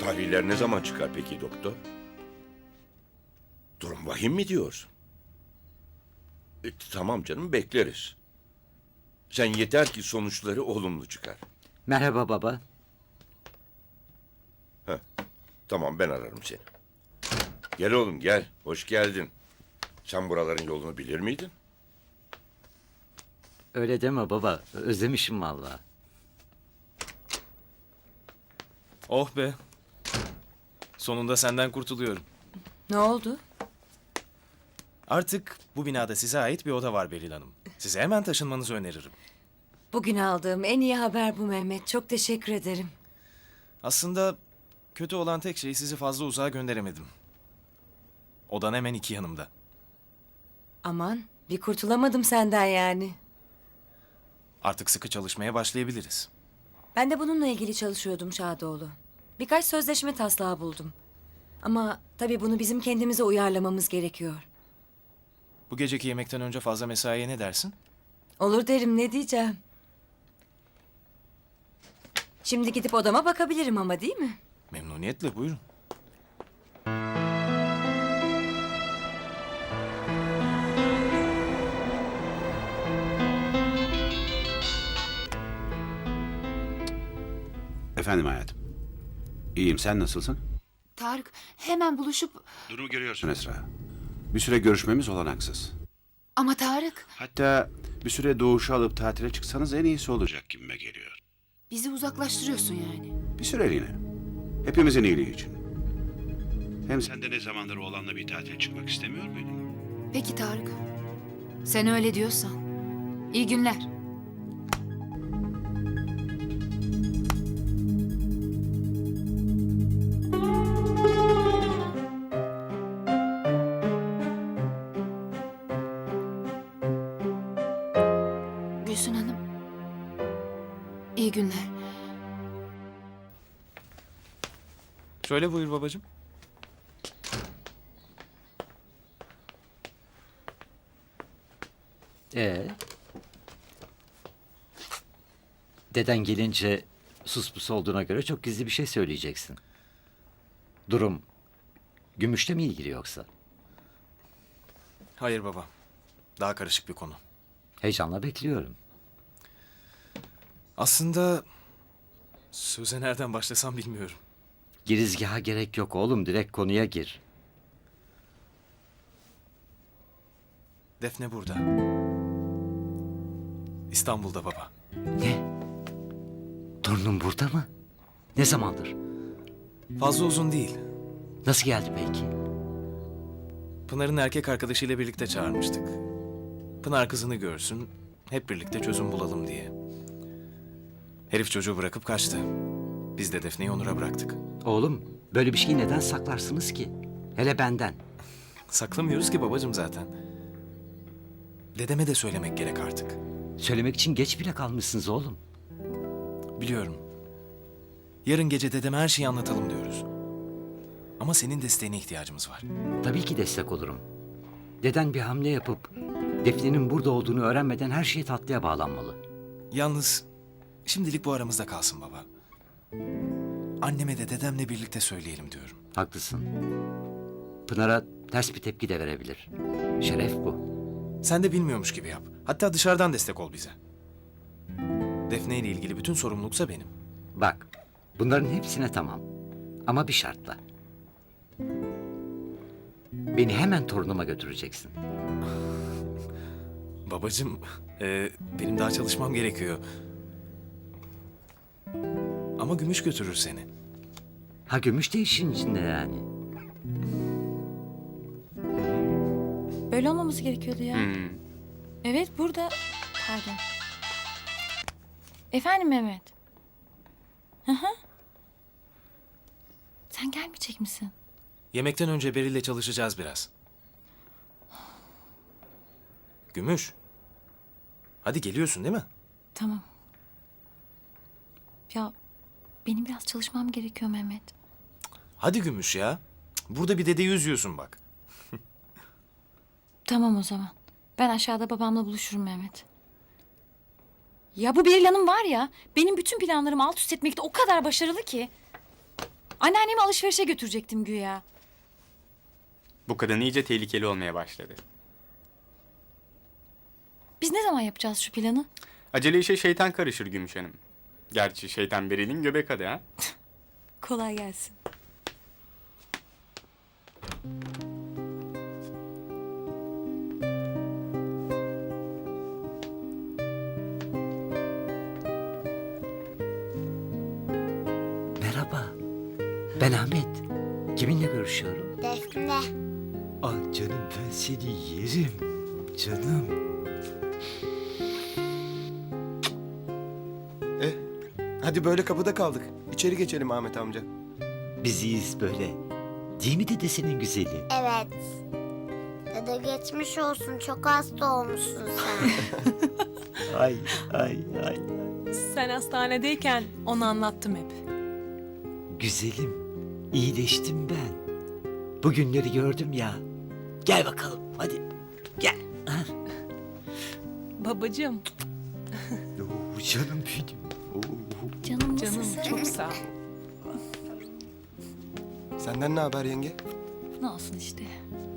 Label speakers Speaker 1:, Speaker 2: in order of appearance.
Speaker 1: Tahliller ne zaman çıkar peki doktor? Durum vahim mi diyorsun? Tamam canım, bekleriz. Sen yeter ki sonuçları olumlu çıkar.
Speaker 2: Merhaba baba.
Speaker 1: Tamam, ben ararım seni. Gel oğlum gel, hoş geldin. Sen buraların yolunu bilir miydin?
Speaker 2: Öyle deme baba. Özlemişim vallahi.
Speaker 3: Oh be. Sonunda senden kurtuluyorum.
Speaker 4: Ne oldu?
Speaker 3: Artık bu binada size ait bir oda var Beril Hanım. Size hemen taşınmanızı öneririm.
Speaker 4: Bugün aldığım en iyi haber bu Mehmet. Çok teşekkür ederim.
Speaker 3: Aslında kötü olan tek şey sizi fazla uzağa gönderemedim. Odan hemen iki yanımda.
Speaker 4: Aman bir kurtulamadım senden yani.
Speaker 3: Artık sıkı çalışmaya başlayabiliriz.
Speaker 4: Ben de bununla ilgili çalışıyordum Şadoğlu. Birkaç sözleşme taslağı buldum. Ama tabii bunu bizim kendimize uyarlamamız gerekiyor.
Speaker 3: Bu geceki yemekten önce fazla mesaiye ne dersin?
Speaker 4: Olur derim, ne diyeceğim. Şimdi gidip odama bakabilirim ama, değil mi?
Speaker 3: Memnuniyetle, buyurun.
Speaker 5: Efendim hayatım. İyiyim, sen nasılsın?
Speaker 6: Tarık, hemen buluşup...
Speaker 5: Durumu görüyorsun Esra. Bir süre görüşmemiz olanaksız.
Speaker 6: Ama Tarık,
Speaker 5: Hatta bir süre Doğuş'u alıp tatile çıksanız en iyisi olacak gibime geliyor.
Speaker 6: bizi uzaklaştırıyorsun yani.
Speaker 5: Bir süreliğine. Hepimizin iyiliği için. Hem sen de ne zamandır oğlanla bir tatile çıkmak istemiyor muydun?
Speaker 6: Peki Tarık, sen öyle diyorsan. İyi günler. Gülsün Hanım, iyi günler.
Speaker 3: Şöyle buyur babacığım.
Speaker 2: Deden gelince sus pus olduğuna göre çok gizli bir şey söyleyeceksin. Durum Gümüş'le mi ilgili yoksa?
Speaker 3: Hayır baba. Daha karışık bir konu.
Speaker 2: Heyecanla bekliyorum.
Speaker 3: Aslında söze nereden başlasam bilmiyorum.
Speaker 2: Girizgaha gerek yok oğlum. Direkt konuya gir.
Speaker 3: Defne burada. İstanbul'da baba.
Speaker 2: Ne? Torunum burada mı? Ne zamandır?
Speaker 3: Fazla uzun değil.
Speaker 2: Nasıl geldi peki?
Speaker 3: Pınar'ın erkek arkadaşıyla birlikte çağırmıştık. Pınar kızını görsün, hep birlikte çözüm bulalım diye. Herif çocuğu bırakıp kaçtı. Biz de Defne'yi Onur'a bıraktık.
Speaker 2: Oğlum böyle bir şeyi neden saklarsınız ki? Hele benden.
Speaker 3: Saklamıyoruz ki babacığım zaten. Dedeme de söylemek gerek artık.
Speaker 2: Söylemek için geç bile kalmışsınız oğlum.
Speaker 3: Biliyorum. Yarın gece dedeme her şeyi anlatalım diyoruz. Ama senin desteğine ihtiyacımız var.
Speaker 2: Tabii ki destek olurum. Deden bir hamle yapıp Defne'nin burada olduğunu öğrenmeden her şey tatlıya bağlanmalı.
Speaker 3: Yalnız şimdilik bu aramızda kalsın baba. Anneme de dedemle birlikte söyleyelim diyorum.
Speaker 2: Haklısın. Pınar'a ters bir tepki de verebilir. Şeref bu.
Speaker 3: Sen de bilmiyormuş gibi yap. Hatta dışarıdan destek ol bize. Defne ile ilgili bütün sorumluluksa benim.
Speaker 2: Bak, bunların hepsine tamam. Ama bir şartla. Beni hemen torunuma götüreceksin.
Speaker 3: Babacığım, benim daha çalışmam gerekiyor. Ama Gümüş götürür seni.
Speaker 2: Ha, Gümüş de işin içinde yani.
Speaker 7: Böyle olmaması gerekiyordu ya. Evet, burada. Pardon. Efendim Mehmet. Hı hı. Sen gelmeyecek misin?
Speaker 3: Yemekten önce Beril'le çalışacağız biraz. Gümüş. Hadi geliyorsun değil mi?
Speaker 7: Tamam. Ya benim biraz çalışmam gerekiyor Mehmet.
Speaker 3: Hadi Gümüş ya. Burada bir dedeyi üzüyorsun bak.
Speaker 7: Tamam o zaman. Ben aşağıda babamla buluşurum Mehmet. Ya bu Beril Hanım var ya, benim bütün planlarımı alt üst etmekte o kadar başarılı ki. Anneannemi alışverişe götürecektim güya.
Speaker 8: Bu kadın iyice tehlikeli olmaya başladı.
Speaker 7: Biz ne zaman yapacağız şu planı?
Speaker 8: Acele işe şeytan karışır Gümüş Hanım. Gerçi şeytan Beril'in göbek adı ha.
Speaker 7: Kolay gelsin.
Speaker 2: Merhaba. Ben Ahmet. Kiminle görüşüyorum?
Speaker 9: Defne.
Speaker 2: Ah canım ben seni yerim. Canım.
Speaker 10: Hadi böyle kapıda kaldık. İçeri geçelim Ahmet amca.
Speaker 2: Biz iyiyiz böyle. Değil mi dedesinin güzeli?
Speaker 9: Evet. Dede geçmiş olsun. Çok hasta olmuşsun sen.
Speaker 2: Ay ay ay.
Speaker 11: Sen hastanedeyken onu anlattım hep.
Speaker 2: Güzelim. İyileştim ben. Bugünleri gördüm ya. Gel bakalım hadi. Gel.
Speaker 11: Babacığım,
Speaker 2: Oo, canım benim. Oo.
Speaker 7: Canım
Speaker 11: canım
Speaker 7: nasılsın?
Speaker 11: çok sağ ol.
Speaker 10: Senden ne haber yenge?
Speaker 7: Ne olsun işte.